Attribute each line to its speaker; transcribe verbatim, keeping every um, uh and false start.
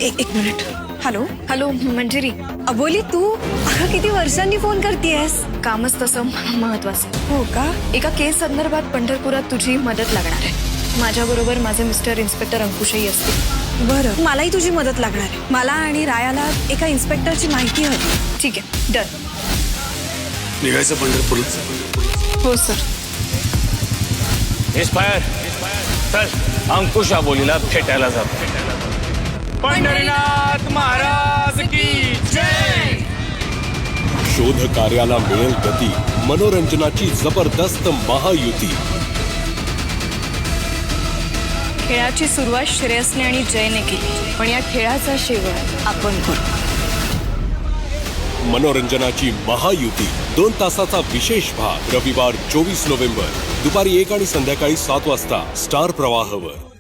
Speaker 1: एक एक minute. Hello
Speaker 2: hello Manjiri.
Speaker 1: Aboli, तू अगं किती वर्षांनी फोन करतेयस?
Speaker 2: कामच तसं महत्वाचं.
Speaker 1: हो का?
Speaker 2: एका केस संदर्भात पंढरपुरात तुझी मदत लागणार आहे. माझ्याबरोबर माझे मिस्टर इन्स्पेक्टर अंकुशही असतील.
Speaker 1: बरं, मलाही तुझी मदत लागणार आहे. मला आणि रायाला एका इन्स्पेक्टरची माहिती हवी.
Speaker 2: ठीक आहे, डन.
Speaker 3: निघायचं पंढरपूरला.
Speaker 2: हो सर.
Speaker 4: इन्स्पायर चल अंकुश आबोलीला भेटायला जातो. पंढरीनाथ महाराज की जय.
Speaker 5: शोध कार्याला मिळेल गती, मनोरंजनाची जबरदस्त महायुती.
Speaker 2: खेळाची सुरुवात श्रेयसने आणि जयने केली, पण या खेळाचा शेवट आपण करू.
Speaker 5: मनोरंजनाची महायुती दोन तासाचा विशेष भाग रविवार चोवीस नोव्हेंबर दुपारी एक आणि संध्याकाळी सात वाजता स्टार प्रवाहवर.